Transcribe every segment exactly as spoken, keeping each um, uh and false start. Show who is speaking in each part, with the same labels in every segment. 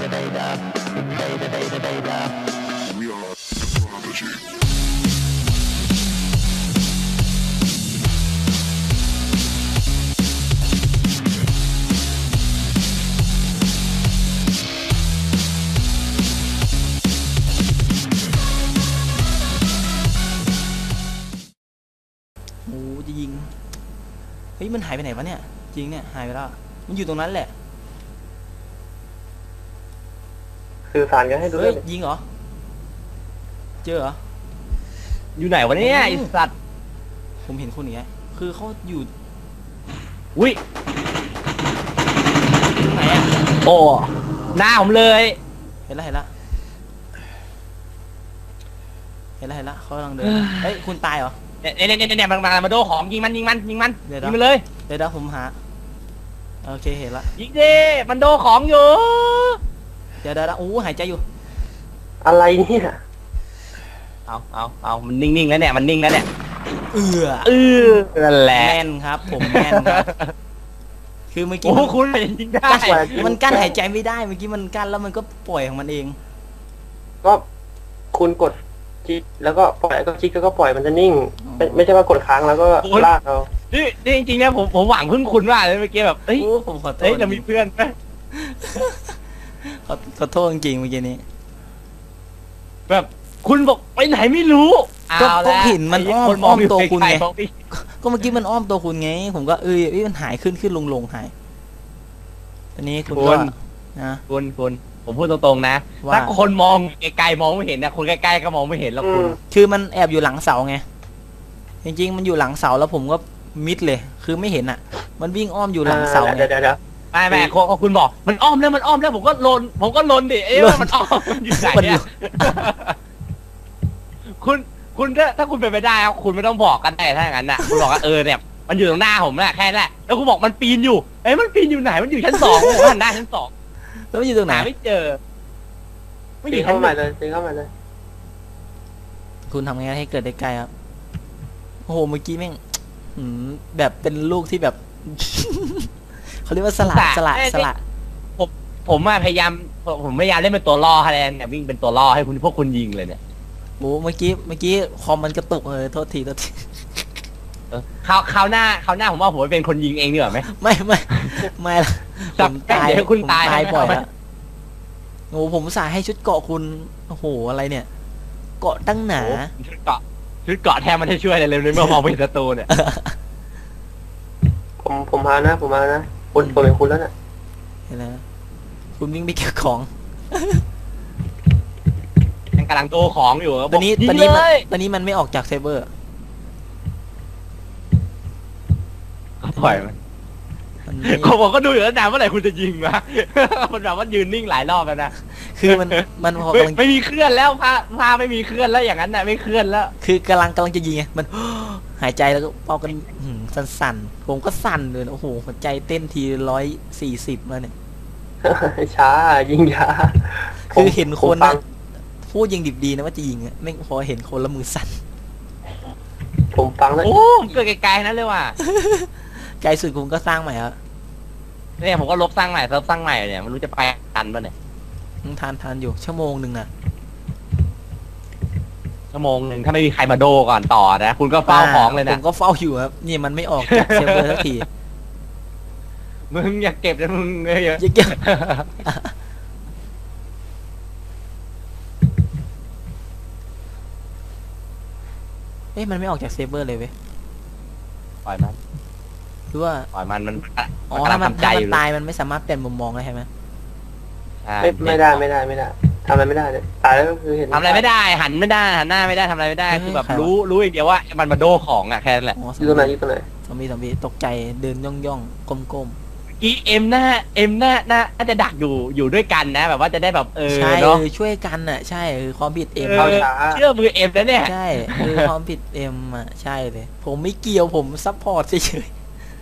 Speaker 1: โอ้จะยิงเฮ้ยมันหายไปไหนวะเนี่ยจริงเนี่ยหายไปแล้วมันอยู่ตรงนั้นแหละ
Speaker 2: สื่อสารกันให้ดู
Speaker 1: เฮ้
Speaker 2: ด้วย ย
Speaker 1: ยิงเหรอเจอเหรอ
Speaker 3: อยู่ไหนวะเนี่ยไอสัตว์
Speaker 1: ผมเห็นคนอย่างเงี้ยคือเขาอยู่
Speaker 3: อุ้ย
Speaker 1: ตรงไหนอะ
Speaker 3: โอ้หน้าผมเลย
Speaker 1: เห็นแล้วเห็นแล้วเห็นแล้วเห็นแล้วเขากำลังเดินเฮ้ยคุณตายเหรอ
Speaker 3: เนี่ยเนี่ยเนี่ยเนี่ยมันมามาโดของยิงมันยิงมันยิงมัน
Speaker 1: เดี๋ยว
Speaker 3: ยิงมันเลย
Speaker 1: เดี๋ยวเดี๋ยวผมหาโอเคเห็นละ
Speaker 3: ยิงดิมันโดของอยู่
Speaker 1: เดี๋ยวเดี๋ยวโอ้หายใจอยู่
Speaker 2: อะไรเนี่ย
Speaker 3: เอาเอาเอามันนิ่งๆแล้วเนี่ยมันนิ่งแล้วเนี่ย
Speaker 1: เอือ
Speaker 3: เออนั่นแหละ
Speaker 1: แม่นครับ ผมแม่นครับคือเมื่อกี้
Speaker 3: โอ้
Speaker 1: มัน
Speaker 3: คุณไปยิงได้
Speaker 1: มันกั้นหายใจไม่ได้เมื่อกี้มันกั้นแล้วมันก็ปล่อยของมันเอง
Speaker 2: ก็คุณกดคลิกแล้วก็ปล่อยก็คลิกแล้วก็ปล่อยมันจะนิ่ง ไม่ไม่ใช่ว่ากดค้างแล้วก็ลากเอา
Speaker 3: นี่นี่จริงๆเนี่ยผมผมหวังพึ่งคุณว่าเลยเมื่อกี้แบบเอ้ย
Speaker 1: โอ้ผมขอโทษ
Speaker 3: เอ้ยจะมีเพื่อนไหม
Speaker 1: ขอขอโทษจริงๆเมื่อกี้นี้
Speaker 3: แบบคุณบอกไปไหนไม่รู้
Speaker 1: ก็
Speaker 3: เอา
Speaker 1: ก็
Speaker 3: ละ
Speaker 1: เห็นมันอ้อม
Speaker 3: คน
Speaker 1: อ้อมตัวคุณไง
Speaker 3: ไกลๆบอกดิ
Speaker 1: ก็เมื่อกี้มันอ้อมตัวคุณไง ผมก็เอ้ยเอ้ยมันหายขึ้นขึ้นลงลงหายตอนนี้คุณก็นะ
Speaker 3: คุณคุณผมพูดตรงๆนะ
Speaker 1: ว่า
Speaker 3: ถ้าคนมองไกลๆมองไม่เห็นนะคนใกล้ๆก็มองไม่เห็นหรอก
Speaker 2: อื
Speaker 3: คุณ
Speaker 2: ม
Speaker 1: คือมันแอบอยู่หลังเสาไงจริงๆมันอยู่หลังเสาแล้วผมก็มิดเลย คือไม่เห็นอ่ะ มันวิ่งอ้อมอยู่หลังเสาไง
Speaker 2: เดี๋ยวเดี๋ยวเดี๋ยว
Speaker 3: ไม่ไม่คุณคุณบอกมันอ้อมแล้วมันอ้อมแล้วผมก็ลนผมก็ลนดิเอ๊ะว่ามันอ้อมอยู่ไหน
Speaker 1: มัน
Speaker 3: เนี่ยคุณคุณถ้าถ้าคุณเป็นไปได้ครับคุณไม่ต้องบอกกันได้ถ้าอย่างนั้นน่ะคุณบอกว่าเออเนี่ยมันอยู่ตรงหน้าผมน่ะแค่นั้นแหละแล้วคุณบอกมันปีนอยู่เอ้ยมันปีนอยู่ไหนมันอยู่ชั้นสองผมหันหน้าชั้นสอง
Speaker 1: แล้วมันอยู่ตรงไหน
Speaker 3: หาไม่เจอไม่อ
Speaker 2: ตี
Speaker 3: ยู่
Speaker 2: เข้า
Speaker 3: ชั้น
Speaker 2: มา
Speaker 3: หนึ่ง
Speaker 2: เลยตีเข้ามาเลย
Speaker 1: คุณทำไงให้เกิดได้ไกลครับโอ้โหเมื่อกี้แม่งหืมแบบเป็นลูกที่แบบ เขาเรียกว่าสละสละสละ
Speaker 3: ผมผมอะพยายามผมพยายามเล่นเป็นตัวล่อคะแนนเนี่ยวิ่งเป็นตัวล่อให้คุณพวกคุณยิงเลยเนี่ย
Speaker 1: โอ้เมื่อกี้เมื่อกี้คอมมันกระตุกเลยโทษทีโทษที
Speaker 3: เออคราวคราวหน้าคราวหน้าผมว่าผมไปเป็นคนยิงเองดีกว่าไหม
Speaker 1: ไม่ไม่ไม่ละผ
Speaker 3: จับ
Speaker 1: มตาย
Speaker 3: เดี๋ยวคุณ
Speaker 1: ผม
Speaker 3: ตาย
Speaker 1: ตาย
Speaker 3: นะ
Speaker 1: บ่อยแล้วโอ้ผมอุตสาห์ให้ชุดเกาะคุณโอ้โหอะไรเนี่ย เกาะตั้งหนา
Speaker 3: โอ้ชุดเกาะชุดเกาะแทนมันจะช่วยอะไรเลยเมื่อมองไปเห็นศัตรูเนี่ย
Speaker 2: ผมผมมานะผมมานะคุณผมเป็นคุณแล้วน่ะ
Speaker 1: เห็นไหมคุณวิ่งไปเก็บของ
Speaker 3: ยังกำลังโตของอยู่
Speaker 1: ตอนนี้
Speaker 3: ยิ
Speaker 1: ตอน
Speaker 3: ง
Speaker 1: นี้
Speaker 3: เล
Speaker 1: มัน
Speaker 3: ย
Speaker 1: ตอนนี้มันไม่ออกจากเซิร์ฟเวอร์
Speaker 3: ก็ปล่อยมัน
Speaker 1: มันไม่
Speaker 3: ผมบอกก็ดูอยู่แล้วนะเมื่อไหร่คุณจะยิงวะ มันแบบว่ายืนนิ่งหลายรอบแล้วนะ
Speaker 1: คือมันมันพอ
Speaker 3: ไม่
Speaker 1: กำลัง
Speaker 3: ไม่มีเคลื่อนแล้วพาพาไม่มีเคลื่อนแล้วอย่างนั้นน่ะไม่เคลื่อนแล้ว
Speaker 1: คือกำลังกำลังจะยิงไงมัน หายใจแล้วก็เป่ากันหืมสั่นๆผมก็สั่นเลยโอ้โหหัวใจเต้นทีร้อยสี่สิบแล้วเนี่ย
Speaker 2: ช้ายิงช้า
Speaker 1: คือเห็นคน
Speaker 2: ผมฟั
Speaker 1: นะ
Speaker 2: ง
Speaker 1: พูดยังดิบดีนะว่าจะยิงอะไม่งพอเห็นคนแล้วมือสั่น
Speaker 2: ผมฟังแล้ว
Speaker 3: โอ้เกิดไกลๆนั้นเลยว่ะ
Speaker 1: ไกลสุดคุณก็สร้างใหม่แล้ว
Speaker 3: เนี่ยผมก็ลบสร้างใหม่เซิร์ฟสร้างใหม่เนี่ยไม่รู้จะไปทันป่ะเนี่ย
Speaker 1: ทานทานอยู่ชั่วโมงหนึ่งนะ
Speaker 3: ชั่วโมงหนึ่งถ้าไม่มีใครมาโดก่อนต่อนะคุณก็เฝ้าของเลย
Speaker 1: ผ
Speaker 3: นะ
Speaker 1: มก็เฝ้าอยู่ครับนี่มันไม่ออกจากเซิร์ฟเวอร์สักที
Speaker 3: มึงอย่าเก็บนะมึงเยอะ
Speaker 1: เยอะเอ๊ะมันไม่ออกจากเซิร์ฟเวอร์เลยเว้ย
Speaker 3: ปล่อยมัน
Speaker 1: หรือว่า
Speaker 3: ปล่อยมันมัน
Speaker 1: อ๋อ
Speaker 3: มันกำลั
Speaker 1: ถ้าง มัน
Speaker 3: ทำใจ
Speaker 1: ถ้า
Speaker 3: อ
Speaker 1: มัน
Speaker 3: ยู่
Speaker 1: ตายมันไม่สามารถเปลี่ยนมุมมองได้ใช่ไหม
Speaker 3: ใช่
Speaker 2: ไม่ไม่ได้ไม่ได้ไม่ได้ทำอะไรไม่ได้เลยตายแล้วก็คือเห็น
Speaker 3: ทำอะไรไม่ได้หันไม่ได้หันหน้าไม่ได้ทำอะไรไม่ได้คือแบบรู้รู้อย่างเดียวว่ามันมาโดของอ่ะแค่นั้นแหละ
Speaker 1: อ๋อ
Speaker 2: อยู่ตรงไหนอยู่ตรงไหน
Speaker 1: ซอมบี้ซอมบี้ตกใจเดินย่องย่องก้มก้ม
Speaker 3: กีเอ็มหน้าเอ็มหน้าหน้าน่าจะดักอยู่อยู่ด้วยกันนะ แบบว่าจะได้แบบเออ
Speaker 1: ใช่
Speaker 3: เนาะ
Speaker 1: เออช่วยกันอ่ะใช่คือความผิดเอ็ม
Speaker 3: เออเชื่อมือเอ็มแล้วเนี่ย
Speaker 1: ใช่คือความผิดเอ็มอ่ะใช่เลย ผมไม่เกี่ยวผมซัพพอร์ตเฉย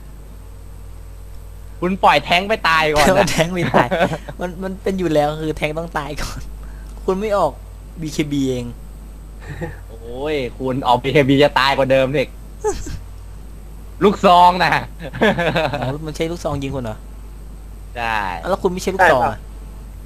Speaker 3: คุณปล่อยแท้งไปตาย
Speaker 1: ๆ
Speaker 3: ก่อน
Speaker 1: แต่ว่า
Speaker 3: นะ
Speaker 1: แทงไม่ตายมันมันเป็นอยู่แล้วคือแทงต้องตายก่อน คุณไม่ออก บี เค บี เอง
Speaker 3: โอ้ยคุณออกบีเคบีจะตายกว่าเดิมเด็กลูกซองนะ
Speaker 1: อ๋อมันใช้ลูกซองยิงคุณเหรอ
Speaker 3: ใช่
Speaker 1: อ้าวแล้วคุณไม่ใช่ลูกซองอ่ะ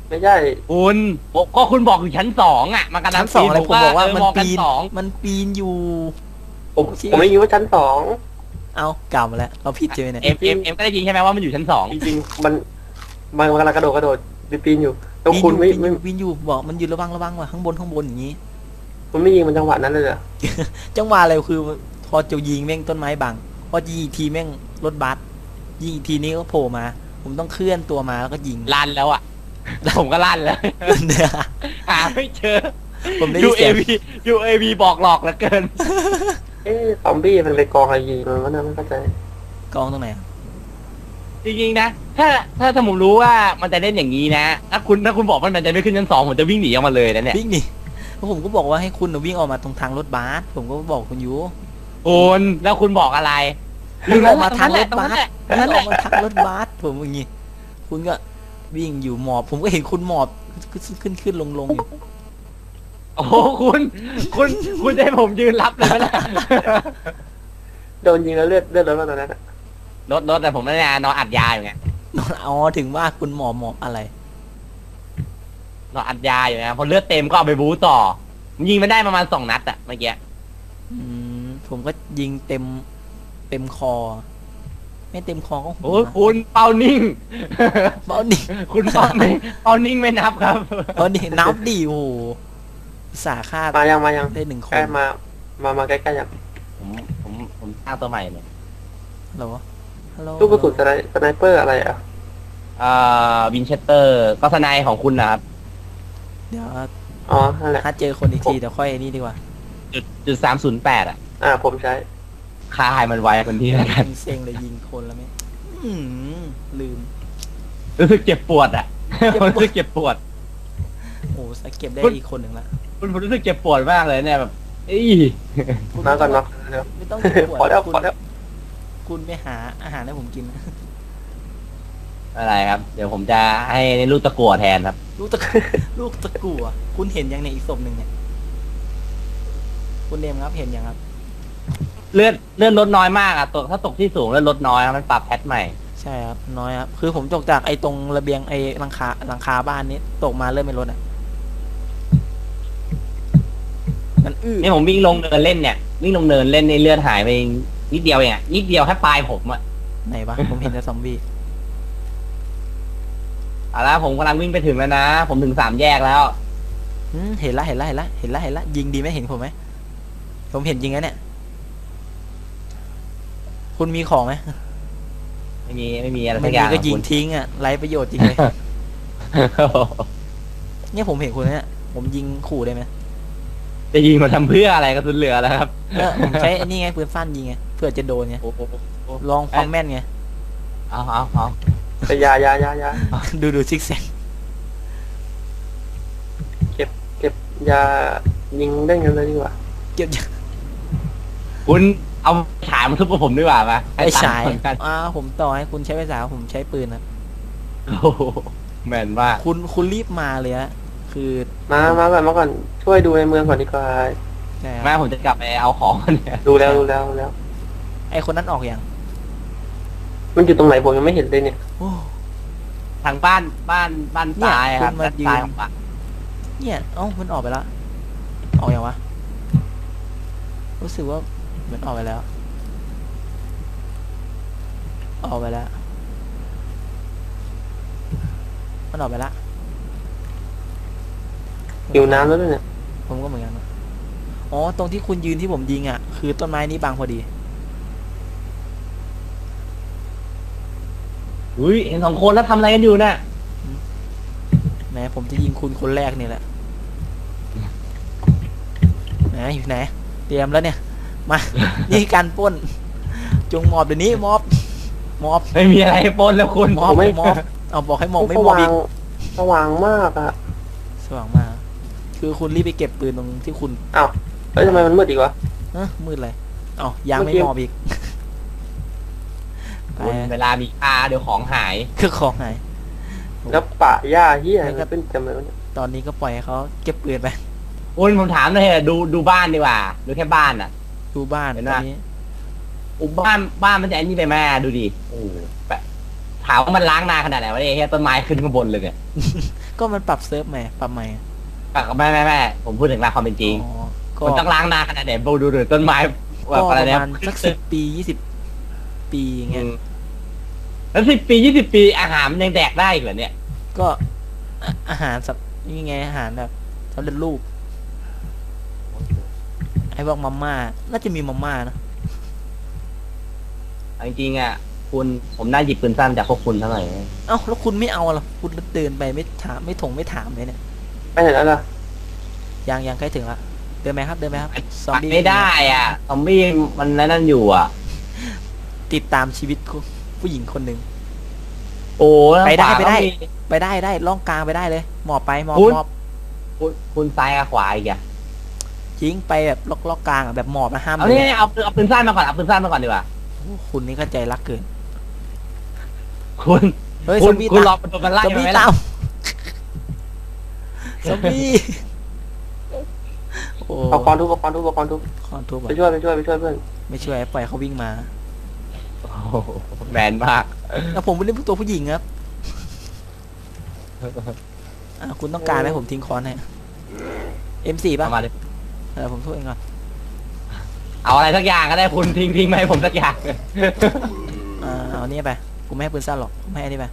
Speaker 2: ไม่ใช่
Speaker 3: คุณผมก็คุณบอกอยู่ชั้นสองอ่ะมันกำลั
Speaker 1: ชั้
Speaker 3: ง
Speaker 1: นสองอะไรผมบอกว่ามัน
Speaker 3: เออมองกั
Speaker 1: ปีน
Speaker 3: สอง
Speaker 1: มันปีนอยู่
Speaker 2: ผมผมไม่รู้ว่าชั้นสอง
Speaker 1: เอากล่าวมาแล้วเราผิดเจอเนี่ย
Speaker 3: เอ็มเอ็มเอ็มก็ได้ยินใช่ไหมว่ามันอยู่ชั้นสอง
Speaker 2: จริงๆมันมันกำลังกระโดดกระโดดปีนอยู่แล้ว
Speaker 1: ปีน
Speaker 2: คุณ
Speaker 1: อยู่
Speaker 2: ไม่
Speaker 1: ปีนอ
Speaker 2: ไม่
Speaker 1: ยู่ปีนอยู่บอกมันอยู่ระวังระวังว่ะข้างบนข้างบนอย่างนี้
Speaker 2: คุณไม่ยิงมันจังหวะนั้นเลยเหรอ
Speaker 1: จังหวะอะไรคือพอจะยิงแม่งต้นไม้บังพอยิงอีกทีแม่งรถบัสยิงอีกทีนี้ก็โผล่มา ผมต้องเคลื่อนตัวมาแล้วก็ยิง
Speaker 3: ลั่นแล้วอ่ะผมก็ลั่นแล้ว หาไม่เจอ
Speaker 1: ผมได้ยินเสียง
Speaker 3: ยู เอ วี ยู เอ วี บอกหลอกเหลือเกิน
Speaker 2: เอ๊ะซอมบี้มันไปกองอะไรยิงมันวะเนี่ยไม่เข้าใจ
Speaker 1: กองตรงไหนอะ
Speaker 3: จริงๆนะ ถ้าถ้าถ้าผมรู้ว่ามันจะเล่นอย่างนี้นะ ถ้าคุณถ้าคุณบอกว่ามันจะไม่ขึ้นชั้นสองผมจะวิ่งหนีออกมาเลยนะเนี่ย
Speaker 1: วิ่งหนีเพราะผมก็บอกว่าให้คุณน่ะวิ่งออกมาตรงทางรถบัสผมก็บอกคุณอยู่
Speaker 3: คุณแล้วคุณบอกอะไร
Speaker 1: วิ่งออกมาทางรถ
Speaker 3: ตรง
Speaker 1: บั
Speaker 3: นั้น
Speaker 1: ส
Speaker 3: แหละ
Speaker 1: วิ่งออกมาทางรถบัสผมอย่างงี้คุณก็วิ่งอยู่หมอบ ผมก็เห็นคุณหมอบขึ้นขึ้นขึ้นลงลงอยู่
Speaker 3: โอ้โหคุณคุณคุณจะให้ผมยืนรับเลยไหมล่ะ
Speaker 2: โดนยิงแล้วเลือดเลือดรถมาตอนนั้นอะ
Speaker 3: รถรถแต่ผมไม่ได้นอนอัดยาอยู่ไง
Speaker 1: นอนอ๋อถึงว่าคุณหมอบหมอบอะไร
Speaker 3: นอนอัดยาอยู่นะพอเลือดเต็มก็เอาไปบู๊ต่อยิงมันได้ประมาณสองนัดอะเมื่อกี้
Speaker 1: อืมผมก็ยิงเต็มเต็มคอ ไม่เต็มคอก็หั
Speaker 3: โอ้
Speaker 1: วย
Speaker 3: คุณเป้านิ่ง
Speaker 1: เบานี่
Speaker 3: คุณเป้านิ่งเป้านิ่งไม่นับครับ
Speaker 1: เบานี่นับดิโอ้โหอุตสาห์ฆ่า
Speaker 2: มายังมายัง
Speaker 1: ได้หนึ่งค
Speaker 2: ใกล้
Speaker 1: น
Speaker 2: มามามาใกล้ๆยัง
Speaker 3: ผมผมผมสร้างตัวใหม่เนี่ย
Speaker 1: เหรอฮัลโหล
Speaker 2: ลูกกระสุนสไนสไนเปอร์อะไรอ่ะ
Speaker 3: อ่าวินเชสเตอร์ก็สไนด์ของคุณนะครับ
Speaker 1: เดี๋ยว
Speaker 2: อ๋อนั่นแหละ
Speaker 1: ถ้าเจอคนอีกทีเดี๋ยวค่อยนี่ดีกว่า
Speaker 3: จุดจุดสามศูนย์แปดอะ
Speaker 2: อ่าผมใช้
Speaker 3: ค่าให้มันไวคนที่แล้วกัน
Speaker 1: เซ็งเลยยิงคนแล้วไหมอืมลืม
Speaker 3: รู้สึกเจ็บปวดอะผมรู้สึกเจ็บปวด
Speaker 1: โอ้สเก็บได้อีกคนหนึ่งละ
Speaker 3: คุณผมรู้สึกเจ็บปวดมากเลยเนี่ยแบบอี
Speaker 1: คุณ
Speaker 2: มาก่อนมาเร็ว
Speaker 1: ไม่ต้องเก็บปวด
Speaker 2: พอแล้ว
Speaker 1: คุณ
Speaker 2: พอแล้ว
Speaker 1: คุณไปหาอาหารให้ผมกิน
Speaker 3: อะไรครับ เดี๋ยวผมจะให้ลูกตะกั่วแทนครับ
Speaker 1: ลูกตะ ลูกตะกั่วคุณเห็นยังเนี่ยอีกศพหนึ่งเนี่ยคุณเดมครับเห็นยังครับ
Speaker 3: เลือดเลือดลดน้อยมากอะตกถ้าตกที่สูงเลือดลดน้อยครับมันปรับแพทใหม่
Speaker 1: ใช่ครับน้อยครับคือผมตกจากไอ้ตรงระเบียงไอ้หลังคาหลังคาบ้านนี้ตกมาเริ่มไม่ลดอ่ะมันอื้อ
Speaker 3: นี่ผมวิ่งลงเนินเล่นเนี่ยวิ่งลงเนินเล่นในเลือดหายไปนิดเดียวเองอะนิดเดียวแค่ปลายผมอะ
Speaker 1: ไหนวะผมเห็นแต่ซอมบี้
Speaker 3: เอาละผมกำลังวิ่งไปถึงแล้วนะ ผมถึงสามแยกแล้ว
Speaker 1: อืมเห็นละเห็นละเห็นละเห็นละเห็นละยิงดีไหมเห็นผมไหมผมเห็นยิงแล้วเนี่ย คุณมีของไหม
Speaker 3: ไม่มีไม่มีอะไร
Speaker 1: ไม่
Speaker 3: สักอ
Speaker 1: มี
Speaker 3: ย่าง
Speaker 1: ก็ยิง
Speaker 3: คุณ
Speaker 1: ทิ้งอ่ะไร้ประโยชน์จริงเลย เนี่ยผมเห็นคุณเนี่ยผมยิงขู่ได้ไหม
Speaker 3: จะยิงมาทำเพื่ออะไรกระสุนเหลือแล้วครับ
Speaker 1: เออผมใช้อันนี้ไงปืนสั้นยิงไงเพื่อจะโดนไง
Speaker 3: โอ้โห
Speaker 1: ลองความแม่นไง
Speaker 3: เอาเอาเอา
Speaker 2: แต่ยายายายา
Speaker 1: ดูดูซิกแซก
Speaker 2: เก็บเก็บยายิงได้เงินเลยดีกว่า
Speaker 1: เก็บ
Speaker 3: คุณเอาฉายมาทุบกับผมดีกว่าปะ
Speaker 1: ไอ้ฉาย
Speaker 3: ให้ตังค์เหมือนกัน
Speaker 1: อ้าวผมต่อให้คุณใช้ภาษาผมใช้ปืนนะ
Speaker 3: โอ้โหแม่นมาก
Speaker 1: คุณคุณรีบมาเลยฮะคือ
Speaker 2: มามาก่อนมาก่อนช่วยดูในเมืองก่อนดีกว่า
Speaker 1: ใช่
Speaker 3: แม่
Speaker 1: ครับ
Speaker 3: ผมจะกลับไปเอาของเนี่ย
Speaker 2: ดูแล้วดูแล้วดูแล้ว
Speaker 1: ไอคนนั้นออกอย่าง
Speaker 2: มันอยู่ตรงไหนผมยังไม่เห็นเลยเนี่ย
Speaker 1: โอ้
Speaker 3: ทางบ้านบ้านบ้านซ้ายครับ
Speaker 1: เนี่ยคุณมา
Speaker 3: ด้าน
Speaker 1: ยืน
Speaker 3: ซ้ายของบ้าน
Speaker 1: เนี่ยเอ้ามันออกไปแล้วออกอย่างวะรู้สึกว่าเหมือนออกไปแล้ว ออกไปแล้วมันออกไปแล้ว
Speaker 2: หิวน้ำแล้วด้วยเนี่ย
Speaker 1: ผมก็เหมือนกันนะอ๋อตรงที่คุณยืนที่ผมยิงอ่ะคือต้นไม้นี้บังพอดี
Speaker 3: อุ้ยเห็นสองคนแล้วทำอะไรกันอยู่น่ะ
Speaker 1: แหมผมจะยิงคุณคนแรกนี่แหละไหนอยู่ไหนเตรียมแล้วเนี่ย มา นี่การปล้น จงมอบเดี๋ยวนี้มอบมอบ
Speaker 3: ไม่มีอะไรให้ปนแล้วคุณ
Speaker 1: มอบมอบเอาบอกให้มอบไม่
Speaker 2: ส
Speaker 1: มอบ
Speaker 2: ว่า
Speaker 1: อี
Speaker 2: ง
Speaker 1: ก
Speaker 2: สว่างมากอ่ะ
Speaker 1: สว่างมากคือคุณรีบไปเก็บปืนตรงที่คุณ
Speaker 2: อ้าวแล้วทำไมมันมืดอีกวะ
Speaker 1: เอ้อมืดเลยเอ้ายังไม่
Speaker 2: เมื่อกี้
Speaker 1: มอบอีกไป
Speaker 3: คุณเวลามีค่าเดี๋ยวของหาย
Speaker 1: คือของไหน
Speaker 2: แล้วป่าหญ้าเฮีย
Speaker 1: ไม่ครับ
Speaker 2: เป็นจำเลยวะเนี่ย
Speaker 1: ตอนนี้ก็ปล่อยให้เขาเก็บปืนไป
Speaker 3: คุณผมถามหน่อยเถอะดูดูบ้านดีกว่า ดูแค่บ้านอ่ะ
Speaker 1: ดูบ้าน
Speaker 3: เห็น
Speaker 1: ต
Speaker 3: ไหม
Speaker 1: อนนี้
Speaker 3: อุยบ้านบ้านมันจะไอ้นี่ไปแม่ดูดิโอ้โหแบบถามว่ามันล้างนานขนาดไหนวะเนี่ยเฮียต้นไม้ขึ้นข้างบนเลยเนี่ย
Speaker 1: ก็มันปรับเซิร์ฟใหม่ปรับใหม่
Speaker 3: ปากไม่ไม่ไม่ผมพูดถึงหลักความเป็นจริง
Speaker 1: อ๋อก็
Speaker 3: มันต้องล้างนาขนาดไหนดูดูดูต้นไม้แบ
Speaker 1: ก็
Speaker 3: บ
Speaker 1: ป
Speaker 3: อะไร
Speaker 1: ระ
Speaker 3: เนี่ย
Speaker 1: มาณสักสิบปียี่สิบปีอย่างเงี้ย
Speaker 3: แล้วสิบปียี่สิบปีอาหารมันยังแดกได้อีกเหรอเนี่ย
Speaker 1: ก็อ่ะอาหารสับนี่ไงอาหารแบบสำเร็จรูปไอ้พวกมาม่าน่าจะมีมาม่านะ
Speaker 3: จริงๆอ่ะคุณผมน่าหยิบปืนสั้นจากพวกคุณเท่าไหร่
Speaker 1: เอ้าแล้วคุณไม่เอาล่ะคุณเดินไปไม่ถามไม่ถงไม่ถามเลยเนี่ย
Speaker 2: ไปไหนแล้วล่ะ
Speaker 1: ยังยังใกล้ถึงละเดินไหมครับเดินไหมครับซอมบี้
Speaker 3: ไม่ได้อ่ะซอมบี้มันนั่นอยู่อ่ะ
Speaker 1: ติดตามชีวิตผู้หญิงคนหนึ่ง
Speaker 3: โอ้
Speaker 1: ไปได้ไปได้
Speaker 3: ขวาก็มี
Speaker 1: ไปได้ได้ล่องกลางไปได้เลยหมอบไปหมอบ
Speaker 3: คุณ
Speaker 1: หมอบ
Speaker 3: คุณคุณซ้ายกับขวาอีกอ่ะ
Speaker 1: ทิ้งไปแบบล็อกล็อกกลางอ่ะแบบหมอบนะห้าม
Speaker 3: เอา
Speaker 1: เล
Speaker 3: เนี่ย ยเอาเอาปืนสั้นมาก่อนเอาปืนสั้นมาก่อนดีกว่า
Speaker 1: โอ้คุณนี่เข้าใจรักเกิน
Speaker 3: คุณ
Speaker 1: เฮ้ย
Speaker 3: คุ
Speaker 1: ซอ
Speaker 3: ณ
Speaker 1: มบี้
Speaker 3: คุณร
Speaker 1: ตา
Speaker 3: อ
Speaker 1: ม
Speaker 3: มันโดนมันไล่
Speaker 1: ซอม
Speaker 3: มา
Speaker 1: บี้
Speaker 3: ไหม
Speaker 1: ตา
Speaker 3: ล่ะ
Speaker 1: มซอมบี้โอ้
Speaker 2: เอาคอนทุบเอาคอนทุบเอาคอนทุบ
Speaker 1: คอนทุบ
Speaker 2: ไป
Speaker 1: อ่ะ
Speaker 2: ช่วยไปช่วยไปช่วยเพื่อน
Speaker 1: ไม่ช่วยปล่อยเขาวิ่งมา
Speaker 3: โอ้โหแมนมาก
Speaker 1: แล้วผมไม่เล่นตัวผู้หญิงครับอ่ะคุณต้องการไหมผมทิ้งคอนให้ เอ็ม สี่ ป่ะ
Speaker 3: เอามาเลย
Speaker 1: เออผมช่วยเองก่อน
Speaker 3: เอาอะไรสักอย่างก็ได้คุณทิ้งทิ้งมาให้ผมสักอย่าง
Speaker 1: อ่าเอาอันนี้ไปกูไม่ให้ปืนสั้นหรอกกูไม่ให้อันนี้ไป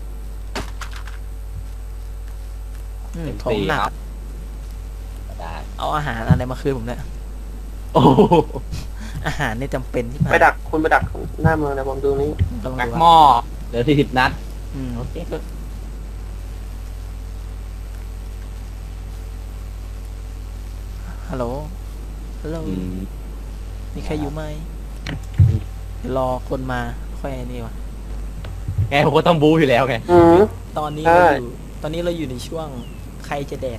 Speaker 1: อืมถมหนัก
Speaker 3: ได้
Speaker 1: เอาอาหารอะไรมาคืนผมเนี่ย
Speaker 3: โอ้โห
Speaker 1: อาหารนี่จำเป็นที่
Speaker 2: ไปดักคุณไปดักหน้าเมืองนะผมดูนี้
Speaker 1: กำลัง
Speaker 3: แม็ก
Speaker 1: ดู
Speaker 3: หม้
Speaker 1: ว่า
Speaker 3: อเหลือสี่สิบนัด
Speaker 1: อืม
Speaker 3: โอเค
Speaker 1: ฮัลโหลฮัลโหล
Speaker 3: อืม
Speaker 1: มีใครอยู่ไหมเดี๋ยวรอคนมาค่อยไอ้นี่วะ
Speaker 3: ไงผมก็ต้องบู๊อยู่แล้วไง
Speaker 2: อืม
Speaker 1: ตอนนี้
Speaker 2: ใช่
Speaker 1: เราอยู่ตอนนี้เราอยู่ในช่วงใครจะแดก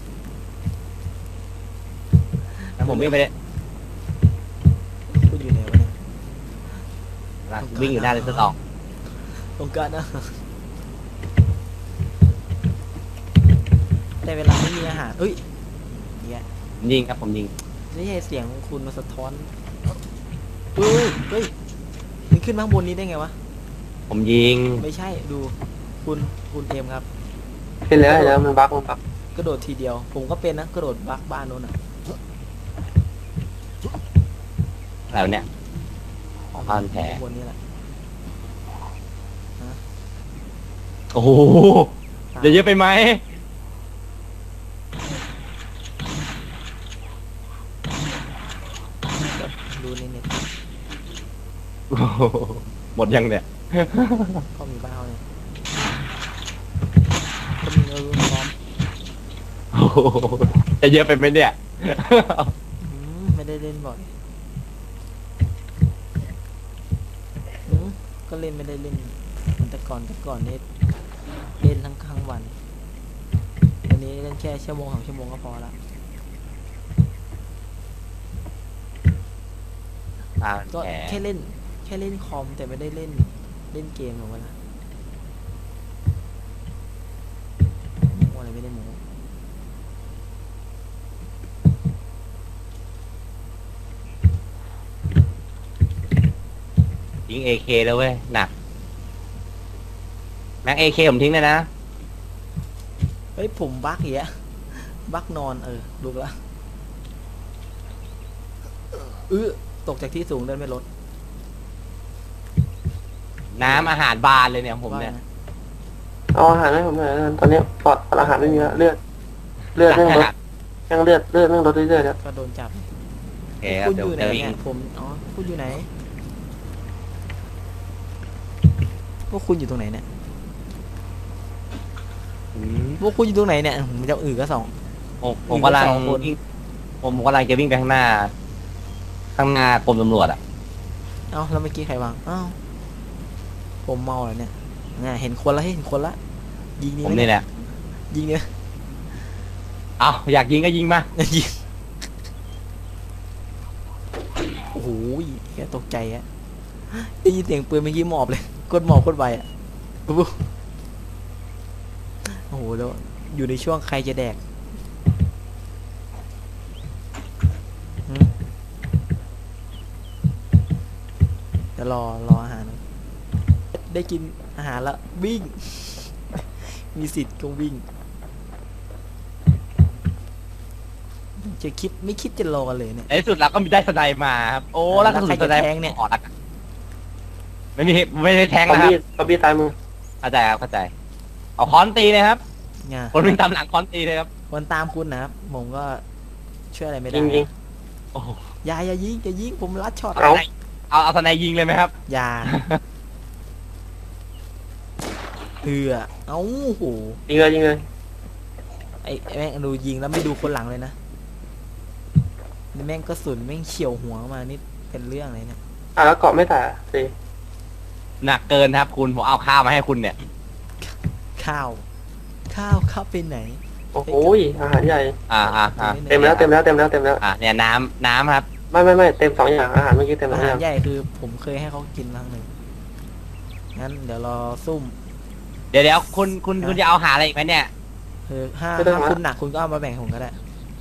Speaker 3: แล้วผมวิ่งไปเลย
Speaker 1: คุณอยู่ไหนวะเนี่ย
Speaker 3: วิ่งอยู่หน้าเลนส์สอง
Speaker 1: ตรงกลางนะแต่เวลาไม่มีอาหารเอ้ยเนี่ย
Speaker 3: ผมยิงครับผมยิง
Speaker 1: ไม่ใช่เสียงของคุณมาสะท้อนเฮ้ยเฮ้ยมันขึ้นมาข้างบนนี้ได้ไงวะ
Speaker 3: ผมยิง
Speaker 1: ไม่ใช่ดูคุณคุณเอมครับ
Speaker 2: เห็นแล้วเห็นแล้วมันบักมันบัก
Speaker 1: กระโดดทีเดียว ผมก็เป็นนะกระโดดบักบ้านโน้นอ่ะ
Speaker 3: แล้วเนี่ย บ้านแผล
Speaker 1: บนนี้แหละ
Speaker 3: โอ้โหจะเยอะไปไหม
Speaker 1: ดูในเน็ต
Speaker 3: โอ้โหหมดยังเนี่ย
Speaker 1: ก็มีบ้าเลยก็มีเออพร้อม
Speaker 3: โอ้โหจะเยอะไปไหมเนี่ย
Speaker 1: อืมไม่ได้เล่นบ่อยอืมก็เล่นไม่ได้เล่นเหมือนแต่ก่อนแต่ก่อนนี่เล่นทั้งทั้งวันวันนี้เล่นแค่ชั่วโมงสองชั่วโมงก็พอละ
Speaker 3: อ่า
Speaker 1: ก็
Speaker 3: แหม
Speaker 1: แค่เล่นแค่เล่นคอมแต่ไม่ได้เล่นเล่นเกมหรอกวะนะโมอะไรไม่ได้โม
Speaker 3: ยิงเอเคแล้วเว้ยหนักแม็กเอเคผมทิ้งเลยนะ
Speaker 1: เฮ้ยผมบักอย่างเงี้ยบักนอนเออดูละเออตกจากที่สูงเดินไม่ลด
Speaker 3: น้ำอาหารบานเลยเนี่ยผมเนี่ย
Speaker 1: ว่าไง
Speaker 2: เอาอาหารให้ผมหน่อยนะตอนนี้ปอดปอดอาหารไม่มีแล้วเลือดเลือดแม่งลดแม่งเลือดเลือดแม่งลดเรื่อยๆแล้ว
Speaker 1: ก็โดนจับ
Speaker 3: โอเคครับ
Speaker 1: คุณ
Speaker 3: เดี๋
Speaker 1: อ
Speaker 3: ยว
Speaker 1: ยู่ไหน
Speaker 3: จะวิ่ง
Speaker 1: เนี่ยผมอ๋อคุณอยู่ไหนพวกคุณอยู่ตรงไหนเนี่ย
Speaker 3: อืม
Speaker 1: พวกคุณอยู่ตรงไหนเนี่ยผมจะอื่นก็สอง
Speaker 3: ผมผมกำลัง
Speaker 1: สองคน
Speaker 3: วิ่งผมกำลังจะวิ่งไปข้างหน้า ข้างหน้ากรมตำรวจอ่ะ
Speaker 1: เอ้าแล้วเมื่อกี้ใครวางเอ้าผมเมาเหรอเนี่ยน่ะเห็นคนละเห็นคนละยิงนี่
Speaker 3: ผม
Speaker 1: ไหม
Speaker 3: นี่แหละ
Speaker 1: ยิงเนี่ย
Speaker 3: เอาอยากยิงก็ยิงมา
Speaker 1: ยิงโอ้โหแกตกใจอะได้ยินเสียงปืนเมื่อกี้หมอบเลยกดหมอบกดไวอะปุ๊บโอ้โหแล้วอยู่ในช่วงใครจะแดกหืมเดี๋ยวรอรออาหารนะได้กินอาหารแล้ววิ่ง มีสิทธิ์ก็วิ่งจะคิดไม่คิดจะรอกันเลยเนี่ย
Speaker 3: ในที่สุดเราก็มีได้สไนด์มาครับโอ้แล้วกระสุนสไนด์
Speaker 1: แล้วใครจะแทงเนี่ย
Speaker 3: ออกอะไม่มีไม่ได้แทง
Speaker 2: ซอม
Speaker 3: นะครับ
Speaker 2: บี้ซอมบี้ซ้ายมือ
Speaker 3: เข้าใจครับเข้าใจเอาค้อนตีเลยครับ
Speaker 1: เนี่ย
Speaker 3: คนวิ่งตามหลังค้อนตีเลยครับ
Speaker 1: คนตามคุณนะครับผมก็ช่วยอะไรไม่ได้
Speaker 2: ยิงยิง
Speaker 3: โอ้โห
Speaker 1: อย่าอย่ายิงอย่ายิงผมรัดช็อต
Speaker 2: เอา
Speaker 3: เอาเอาสไนด์ยิงเลยไหมครับ
Speaker 1: อย่าเอือเอ้าโห
Speaker 2: ยิงเลยยิงเลย
Speaker 1: ไอ้ไอ้แม่งดูยิงแล้วไม่ดูคนหลังเลยนะนี่แม่งกระสุนแม่งเฉียวหัวมานี่เป็นเรื่องเลยเนี่ย
Speaker 2: อ่ะแล้วเกาะไม่แตะสิ
Speaker 3: หนักเกินครับคุณผมเอาข้าวมาให้คุณเนี่ย
Speaker 1: ข้าว ข้าวข้าวไปไหน
Speaker 2: โอ้โหอาหารใหญ่
Speaker 3: อ่าอ่าอ่า
Speaker 2: เต็มแล้วเต็มแล้วเต็มแล้วเต็มแล้ว
Speaker 3: อ่าเนี่ยน้ำน้ำครับ
Speaker 2: ไม่ไม่ไม่เต็มสองอย่างอาหารเมื่อกี้เต็มส
Speaker 1: อา
Speaker 2: อง
Speaker 1: หา
Speaker 2: อ
Speaker 1: ร
Speaker 2: ย่าง
Speaker 1: ใหญ่คือผมเคยให้เขากินครั้งหนึ่งงั้นเดี๋ยวรอซุ่ม
Speaker 3: เดี๋ยวเดี๋ยวคุณคุณคุณจะเอาหาอะไรอีกไหมเนี่ย
Speaker 1: คือถ้าถ้าคุณหนักคุณก็เอามาแบ่งผมก็ได้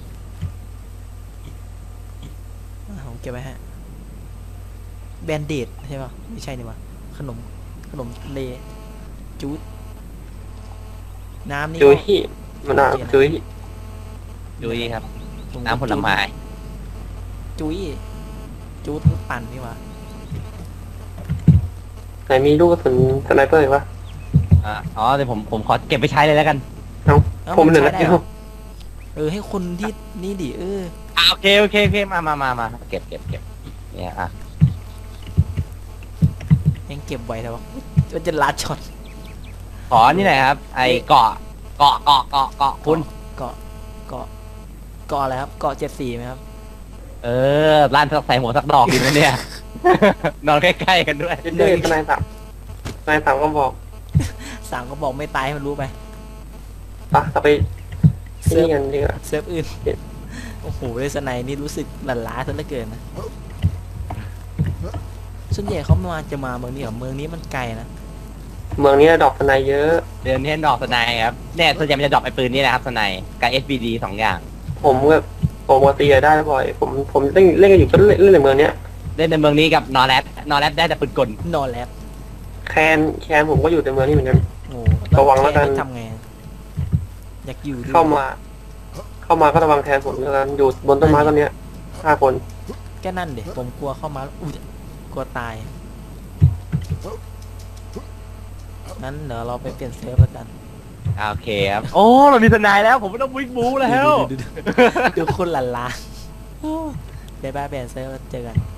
Speaker 1: อ่ะผมเก็บไว้ฮะแบนเดดใช่ป่ะไม่ใช่นี่วะขนมขนมเลจูดน้ำนี่
Speaker 2: จุ้
Speaker 1: ก็
Speaker 2: ยมันอ่ะจุ้ย
Speaker 3: ดูดีครับ
Speaker 1: ผม
Speaker 3: น้ำผลไม้
Speaker 1: จุ้ยจูดปั่นนี่วะ
Speaker 2: ไหนมีลูกกระสุนสไนเปอร์อีกปะ
Speaker 3: อ่าอ๋อเดี๋ยวผมผมขอเก็บไปใช้เลยแล้วกัน
Speaker 2: เอ้า
Speaker 1: เอ้า
Speaker 2: ผมเหลือ
Speaker 1: ใช้
Speaker 2: นัด
Speaker 1: ได้
Speaker 2: เดีย
Speaker 1: เหร
Speaker 2: ว
Speaker 1: อเออให้คนที่นี่ดิเออ
Speaker 3: อ่าโอเคโอเคโอเคมามามามาเก็บเก็บเก็บเนี่ยอ่ะ
Speaker 1: ยังเก็บไว้แต่ว่ามันจะลัดช็อต
Speaker 3: ขอนี่หน่อยครับ ไอเกาะเกาะเกาะเกาะเกาะคุณ
Speaker 1: เกาะเกาะเกาะอะไรครับเกาะเจ็ดสี่ไหมครับ
Speaker 3: เออร้านสักใส่หัวสักดอกดีไหมเนี่ย นอนใกล้ๆกันด้วย
Speaker 2: เด็กสไนสามสไนสามก็บอก
Speaker 1: สามก็บอกไม่ตายให้มันรู้ไป
Speaker 2: ปะเราไปที่นี่กันดีกว่า
Speaker 1: เซิร์ฟอื่น
Speaker 2: เจ็ด
Speaker 1: โอ้โหเลสไนนี่รู้สึกหลั่นล้าซะเหลือเกินนะส่วนใหญ่เขามาจะมาเมืองนี้เหรอเมืองนี้มันไกลนะ
Speaker 2: เมืองนี้ดอกสไนเยอะ
Speaker 3: เดือนนี้ดอกสไนครับเนี่ยส่วนใหญ่มันจะดอกไอปืนนี่นะครับสไนกับ เอส บี ดี สองอย่าง
Speaker 2: ผมแบบผมปกติได้บ่อย ผมผมเล่นเล่นกันอยู่ก็เล่นเล่นในเมืองเนี้ย
Speaker 3: เล่นในเมืองนี้กับนอร์แรดนอร์แรดได้แต่ปืนกล
Speaker 1: นอนแล้ว
Speaker 2: แคนแคนผมก็อยู่ในเมืองนี้เหมือนกัน
Speaker 1: โอ้
Speaker 2: ระวังแล้วกัน
Speaker 1: ทำไงอยากอยู่ด้วย
Speaker 2: เข้ามา เข้ามาก็ระวังแทนผมแล้วกันอยู่บนต้นไม้ต้นเนี้ยห้าคน
Speaker 1: แค่นั่นเด็กผมกลัวเข้ามาแล้วอุ้ยกลัวตายงั้นเดี๋ยวเราไปเปลี่ยนเซิร์ฟแล้วกัน
Speaker 3: อ่าโอเคครับโอ้เรามีสไนแล้วผมไม่ต้องวิ่งบูแล้ว
Speaker 1: ดูดูดูดูดูคนหลั่นล้าเดี๋ยวไปเปลี่ยนเซิร์ฟแล้วเจอกัน